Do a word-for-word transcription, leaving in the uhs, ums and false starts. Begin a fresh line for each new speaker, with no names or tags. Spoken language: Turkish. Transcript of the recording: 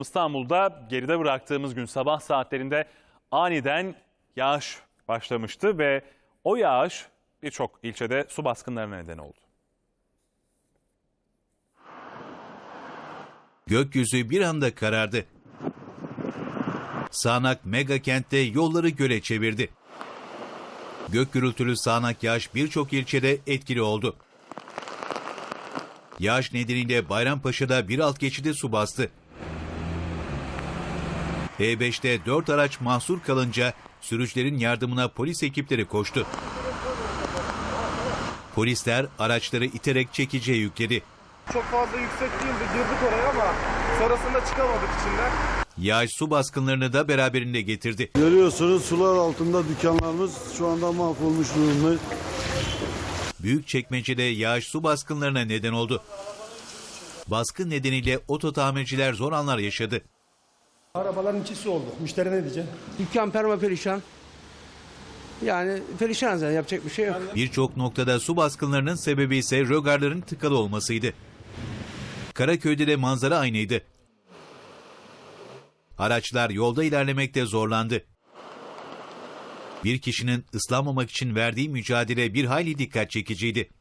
İstanbul'da geride bıraktığımız gün sabah saatlerinde aniden yağış başlamıştı ve o yağış birçok ilçede su baskınlarına neden oldu.
Gökyüzü bir anda karardı. Sağanak mega kentte yolları göle çevirdi. Gök gürültülü sağanak yağış birçok ilçede etkili oldu. Yağış nedeniyle Bayrampaşa'da bir alt geçidi su bastı. E beşte dört araç mahsur kalınca sürücülerin yardımına polis ekipleri koştu. Polisler araçları iterek çekiciye yükledi.
Çok fazla yüksek değildi, girdik oraya ama sonrasında çıkamadık içinden.
Yağış su baskınlarını da beraberinde getirdi.
Görüyorsunuz sular altında dükkanlarımız şu anda mahvolmuş durumda.
Büyükçekmece'de yağış su baskınlarına neden oldu. Baskın nedeniyle oto tamirciler zor anlar yaşadı.
Arabaların içi su oldu. Müşteri ne diyecek?
Dükkan permaperişan. Yani perişan zaten, yapacak bir şey yok.
Birçok noktada su baskınlarının sebebi ise rögarların tıkalı olmasıydı. Karaköy'de de manzara aynıydı. Araçlar yolda ilerlemekte zorlandı. Bir kişinin ıslanmamak için verdiği mücadele bir hayli dikkat çekiciydi.